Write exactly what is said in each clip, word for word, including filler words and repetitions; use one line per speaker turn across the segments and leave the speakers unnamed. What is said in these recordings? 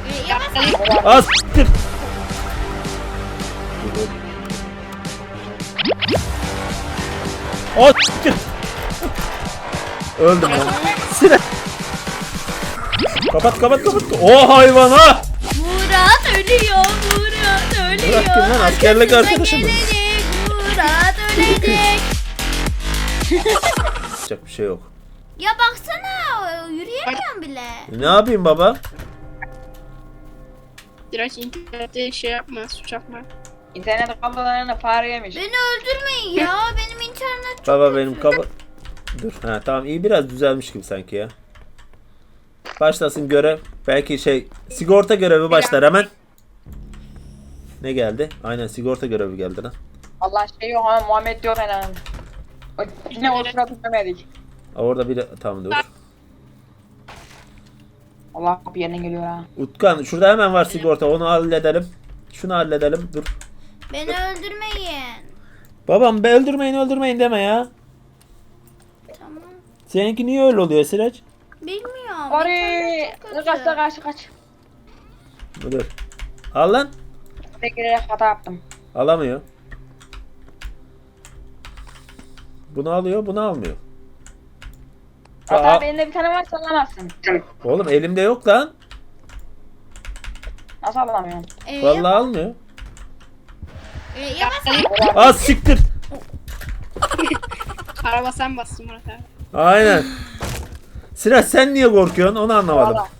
Ee, yavaş.
Az s**tir. O s**tir. Öldüm lan. Silah. Kapat kapat kapat. O hayvan ha.
Murat ölüyor. Murat ölüyor.
Murat kim lan? Askerlik
Arkasından
arkadaşım mı?
gelecek, Murat ölecek.
Yapacak bir şey yok.
Ya baksana yürüyemiyorum bile.
Ne yapayım baba?
Biraz internette şey yapma, suç yapma.
İnternet kablolarını fare yemiş.
Beni öldürmeyin ya. Benim internet çok
Baba
kötü.
benim kafa... Dur. Ha tamam iyi biraz düzelmiş gibi sanki ya. Başlasın görev. Belki şey sigorta görevi başlar hemen. Ne geldi? Aynen sigorta görevi geldi lan.
Allah şey yok ama Muhammed yok hemen. O yine o sırada demedik.
Aa, orada biri tamam dur.
Allah bir yerine geliyor ha.
Utkan şurada hemen var sigorta onu halledelim. Şunu halledelim dur.
Beni öldürmeyin.
Babam be öldürmeyin öldürmeyin deme ya.
Tamam.
Seninki niye öyle oluyor Sıraç?
Bilmiyorum.
Oraya
internet çok kötü.
kaçta kaç kaç.
Dur. Al lan.
Tek girerek hata yaptım.
Alamıyor. Bunu alıyor bunu almıyor.
Hata
Aa,
elinde bir tane var sallamazsın.
oğlum elimde yok lan.
Nasıl alamıyorum?
Ee,
Vallahi almıyor.
Ee, yavaş.
Az siktir.
Araba sen bassın Murat abi.
Aynen. Sıraç sen niye korkuyorsun onu anlamadım.
Valla.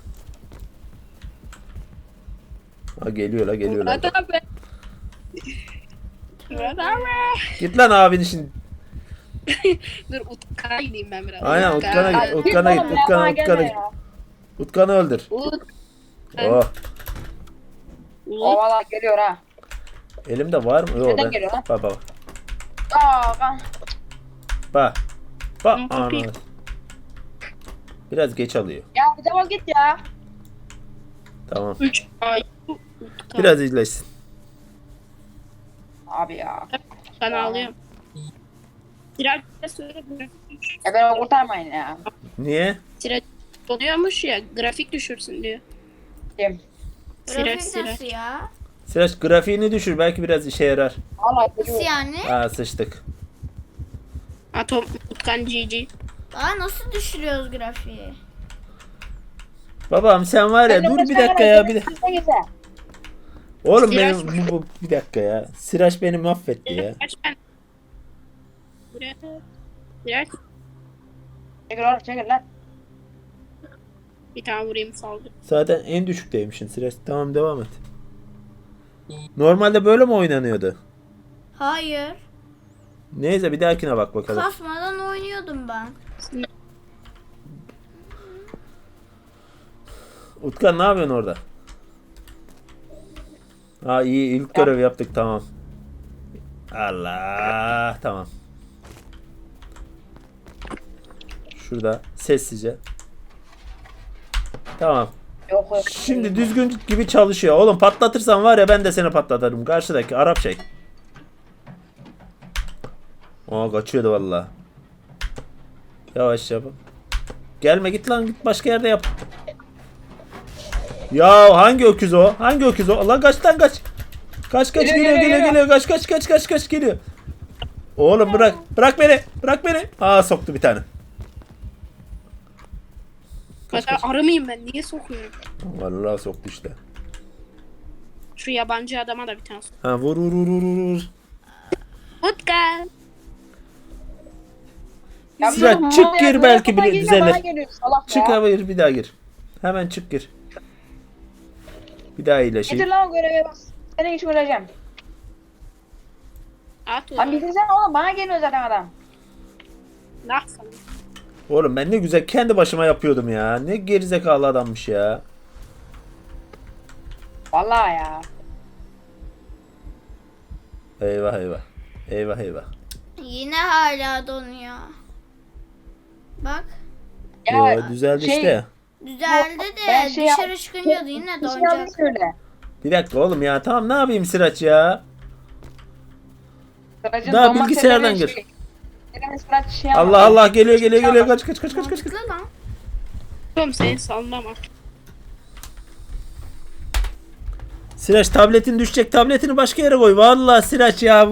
Ha geliyor la geliyor la.
Murat abi. Murat abi.
Git lan abin için.
Dur Utkan'a gideyim ben biraz.
Aynen Utkan'a git.
Git
Utkan'a git.
oğlum ya,
Utkan'a
bana
Utkan'a
gelme
git.
ya.
Utkan'ı öldür.
Ut.
Oh.
O valla geliyor ha.
Elimde var mı? Yok
Neden
ben.
geliyor lan?
Bak bak.
Aa kan.
Bak. Bak.
Hı,
Ana.
kapıyı.
Biraz geç alıyor.
Ya bir defol git ya.
Tamam.
Üç ay. Utkan.
Biraz izlesin.
Abi ya.
Ben ağlıyorum. Tirar söyle grafik
Ya beni kurtarmayın ya.
Niye?
Tirar oluyormuş ya grafik düşürsün diyor.
Kim?
Sirer
Grafik
sirer.
nasıl ya?
Sıraç grafiğini düşür belki biraz işe yarar.
Valla
Nasıl
geliyor.
yani?
Aa sıçtık.
Atom Utkan G G.
Aa nasıl düşürüyoruz grafiği?
Babam sen var ya dur bir dakika ya bir de. Oğlum
Sıraç
benim bu, bu bir dakika ya. Sıraç beni mahvetti ya.
Kaç ben. Buraya. Tirar.
Çekil oğlum çekil lan.
Bir tane vurayım saldı.
Zaten en düşükteymişsin Sıraç. Tamam devam et. Normalde böyle mi oynanıyordu?
Hayır.
Neyse bir dahakine bak bakalım.
Kasmadan oynuyordum ben.
Utkan ne yapıyorsun orada? Ha iyi ilk görev yaptık tamam. Allah tamam. Şurada sessizce. Tamam.
Yok yok.
Şimdi düzgün gibi çalışıyor. Oğlum patlatırsan var ya ben de seni patlatırım. Karşıdaki Arap şey. Aa kaçıyordu valla. Yavaş yap. Gelme git lan git başka yerde yap. Ya hangi öküz o? Hangi öküz o? Allah kaç lan kaç. Kaç kaç
Geliyor,
geliyor
geliyor,
geliyor geliyor. Kaç kaç kaç kaç kaç geliyor. Oğlum bırak. Bırak beni. Bırak beni. Aa soktu bir tane. Kaç,
Hatta
kaç.
arı mıyım ben? Niye sokuyorum?
Vallahi soktu işte.
Şu yabancı adama da bir tane sok.
Ha vur vur vur vur vur.
Utkan.
Ya
Sıra
bu-
çık
bu-
gir
bu-
belki
bu-
bile
bu-
düzelir.
bana geliyor, salak
Çık
ya.
hayır bir daha gir. Hemen çık gir. Bir daha
Getir
iyileşeyim.
lan o göreve bas. Seni hiç göreceğim.
At
Lan
onu.
bitirsene oğlum bana geliyor zaten adam.
Ne yapsam?
Oğlum ben ne güzel kendi başıma yapıyordum ya. Ne gerizekalı adammış ya.
Vallahi ya.
Eyvah eyvah. Eyvah eyvah.
Yine hala donuyor. Bak.
Ya
Yo, düzeldi
şey-
işte.
Düzeldi
Ben
de
şey
dışarı
yap-
çıkınca da yine
Bir şey
donacak.
yanlış söyle.
Bir dakika oğlum ya. Tamam ne yapayım Sıraç ya.
Sıracın
Daha
donma
bilgisayardan
sebebi
gir.
şey- Benim Sıraç şey
Allah
yapmadı.
Allah geliyor geliyor geliyor. Kaç kaç kaç kaç kaç. kaç.
Mantıklı lan.
Oğlum seni salmam.
Sıraç tabletin düşecek. Tabletini başka yere koy. Vallahi Sıraç ya.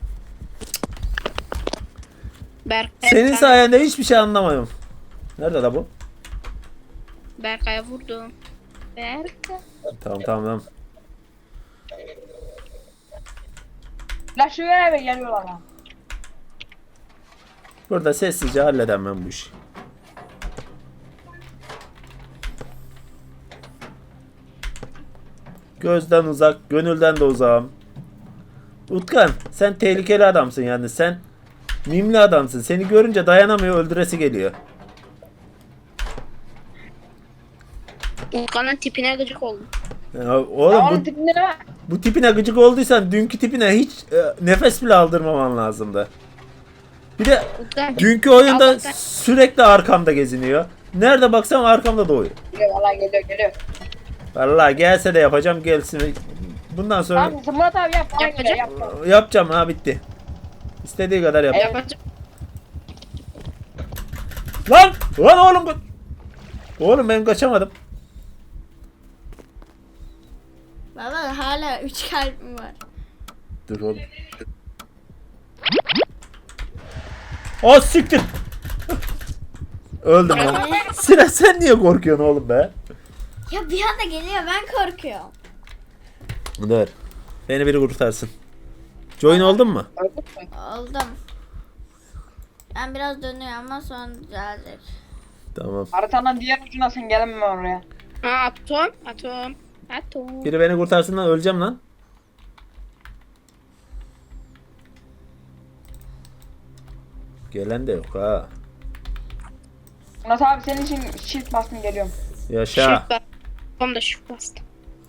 Berk
Senin sayende hiçbir şey anlamıyorum. Nerede la bu?
Berkay'a vurdum. Berkay.
Tamam tamam tamam.
La şu yere mi geliyorlar lan?
Burada sessizce halledem ben bu işi. Gözden uzak, gönülden de uzağım. Utkan, sen tehlikeli adamsın yani. Sen mimli adamsın. Seni görünce dayanamıyor, öldüresi geliyor.
Utkan'ın tipine gıcık oldum.
Ya oğlum
Ya onun
bu,
tipinde ne var?
bu tipine gıcık olduysan dünkü tipine hiç e, nefes bile aldırmaman lazımdı. Bir de
Utkan.
dünkü oyunda
Allah'tan-
sürekli arkamda geziniyor. Nerede baksam arkamda doğuyor.
Geliyor valla geliyor geliyor.
Vallahi gelse de yapacağım, gelsin. Bundan sonra
Tamam Murat abi yap. Bana
Yapacak.
geliyor yap. yap.
yapacağım ha, bitti. İstediği kadar yap.
Evet.
Yapacak.
Lan! Lan oğlum bu. Oğlum ben kaçamadım.
Baba hala üç kalbim var.
Dur oğlum. O siktir. Öldüm lan. Sıra sen niye korkuyorsun oğlum be?
Ya bir anda geliyor ben korkuyorum.
Dur. Beni biri kurtarsın. Join oldun mu?
Öldük mü?
Oldum. Ben biraz dönüyorum ama sonra düzelecek.
Tamam.
Haritanın diğer ucuna sen gelemem oraya.
Ha, atom. Atom. Atom.
Biri beni kurtarsın lan, öleceğim lan. Gelen de yok ha.
Murat abi senin için shift bastım geliyorum.
Yaşa.
Shift bastım. Tam da shift bastım.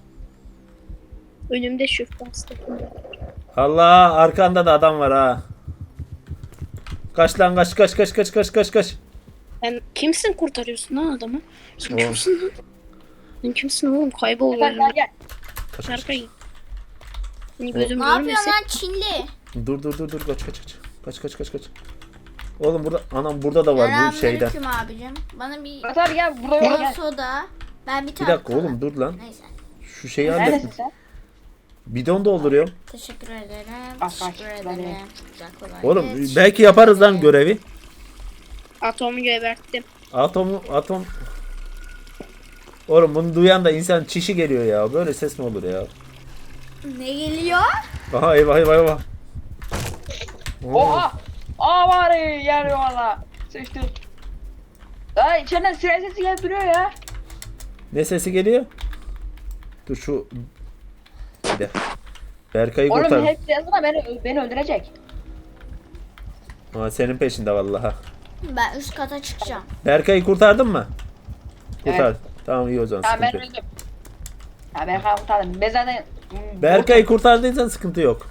Önümde shift bastım.
Allah, arkanda da adam var ha. Kaç lan, kaç kaç kaç kaç kaç kaç kaç.
Sen kimsin kurtarıyorsun lan adamı? Sen
O.
kimsin lan? Sen kimsin oğlum? Kaybol
Gel gel
önümden.
gel.
Kaç, kaç,
Berkay.
kaç.
Seni gözüm
Ne
görmesin.
yapıyorsun lan Çinli?
Dur dur dur dur, kaç kaç kaç. Kaç kaç kaç kaç. Oğlum burada, anam burada da var bu şeyden.
Selamünaleyküm abicim. Bana bir
Murat abi gel buraya
kola
gel.
soda. Ben bir
Bir
tane
dakika
kola.
oğlum, dur lan.
Neyse.
Şu şeyi
Neredesin
hallettim.
sen?
Bidon dolduruyorum.
Teşekkür ederim.
Bak,
Teşekkür
bak,
ederim.
böyle.
Güzel kolay.
Oğlum
gelsin.
belki yaparız lan görevi.
Atomu geberttim.
Atomu atom. Oğlum bunu duyan da insan çişi geliyor ya. Böyle ses mi olur ya?
Ne geliyor?
Aha, eyvah eyvah eyvah. Oo.
Oha! Aa var yer valla. Sıçtı. Aa içeriden siren sesi gelip duruyor ya.
Ne sesi geliyor? Dur şu. Bir de. Berkay'ı
Oğlum
kurtar.
hep yazına beni, beni öldürecek.
Aa, senin peşinde vallahi.
Ben üst kata çıkacağım.
Berkay'ı kurtardın mı? Kurtar.
Evet.
Tamam, iyi o zaman,
Tamam ben
sıkıntı yok.
öldüm. Ya ben kurtardım. Ben zaten...
Berkay'ı kurtardıysan sıkıntı yok.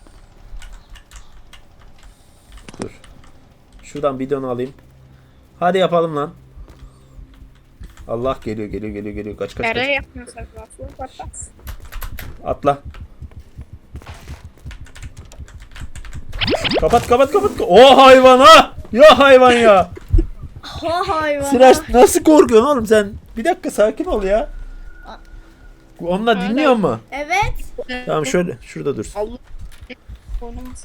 Dur. Şuradan bidonu alayım. Hadi yapalım lan. Allah, geliyor geliyor geliyor geliyor. Kaç kaç
Nereye
kaç.
yapmıyorsak lafı patlat.
Atla. Kapat kapat kapat. O hayvan ha. Ya hayvan ya.
Ha hayvan.
Sıraç, nasıl korkuyorsun oğlum sen? Bir dakika, sakin ol ya. Onunla dinliyor mu?
Evet.
Tamam, şöyle şurada dur.
Allah. Oynamaz.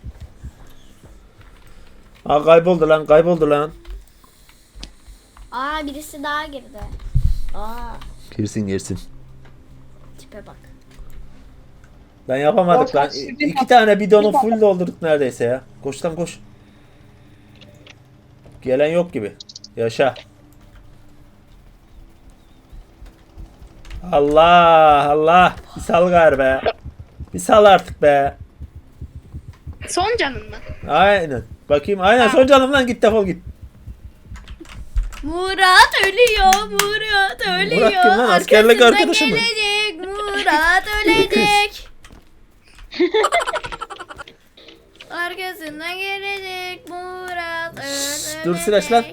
Aa, kayboldu lan, kayboldu lan.
Aa birisi daha girdi. Aa
Girsin girsin.
tipe bak.
Ben yapamadık lan. İ- İki tane bidonu full doldurduk neredeyse ya. Koş lan koş. Gelen yok gibi. Yaşa. Allah Allah. Bir sal gari be. Bir sal artık be.
Son canın mı?
Aynen. Bakayım, aynen son canım lan, git defol git.
Murat ölüyor. Murat ölüyor.
Murat kim lan? Askerlik
Arkasından
arkadaşı mı?
gelecek. Murat ölecek. Arkasından gelecek. Murat ölecek.
dur Sıraç lan.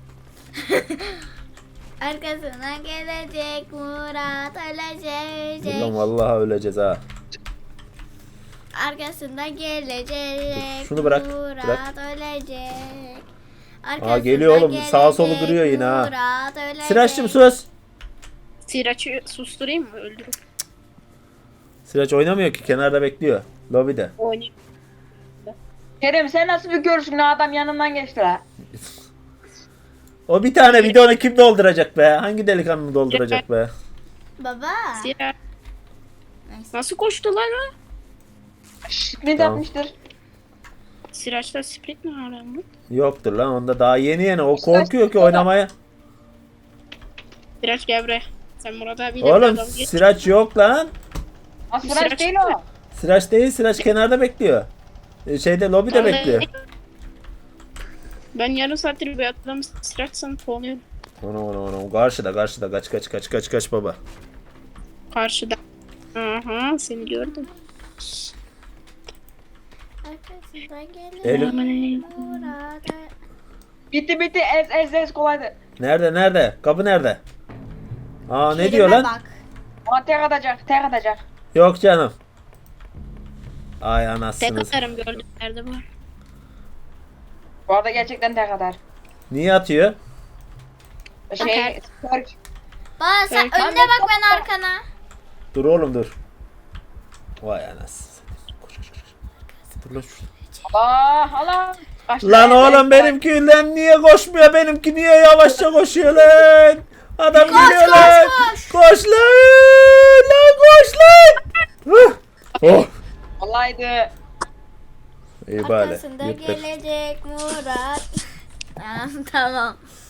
Arkasından gelecek. Murat
Dur
ölecek.
lan, vallahi öleceğiz ha.
Arkasından gelecek.
Dur, şunu bırak,
Murat
bırak.
ölecek.
Aa, geliyor oğlum, sağa solu
gelecek,
kırıyor yine ha.
Murat ölecek.
Sıraç'cığım söz.
Siraç'ı susturayım mı? Öldürür.
Sıraç oynamıyor ki, kenarda bekliyor. Lobide.
Oynayayım.
Kerem sen nasıl bir görürsün ne adam yanından geçti la.
O bir tane bidonu kim dolduracak be? Hangi delikanlı dolduracak be?
Baba.
Siraç.
Neyse.
Nasıl koştular ha?
Sprint
Tamam.
yapmıştır.
Siraç'ta sprint mi hala mı?
Yoktur lan, onda daha yeni yeni. O korkuyor ki oynamaya.
Siraç gel buraya. Sen Murat abiyle
Oğlum
bir adam geç.
Sıraç yok lan.
Ha Sıraç
Sıraç
değil
mı?
o.
Sıraç değil, Sıraç kenarda bekliyor. Ee, Şeyde lobide
Vallahi-
bekliyor.
Ben yarım saattir bir adam Siraç sanıp kovalıyorum.
Onu onu onu. Karşıda karşıda, kaç kaç kaç kaç kaç baba.
Karşıda. Aha seni gördüm.
Arkasından
Eylül-
gelirim burada.
Bitti bitti ez ez ez kolaydı.
Nerede nerede? Kapı nerede? Aa ne
Kerime
diyor lan?
Bak.
Ama tek atacak tek atacak.
Yok canım. Ay
Tek
anasınız.
atarım gördüm. Nerede bu?
Bu arada gerçekten tek atar.
Niye atıyor?
Şey Türk.
Baba sen
Evet.
önüne bak ben arkana.
Dur oğlum dur. Vay anasını. Koş, koş, koş. Dur lan şurada.
Allah Allah. Kaçtı
Lan
ez, ez,
oğlum benimki lan niye koşmuyor? Benimki niye yavaşça koşuyor lan? Adam geliyor
koş,
lan.
koş.
Koş lan. Lan koş lan. Huh. Oh.
Kolaydı.
İyi bari.
Arkasında
Yırttık.
gelecek Murat. Ha, tamam.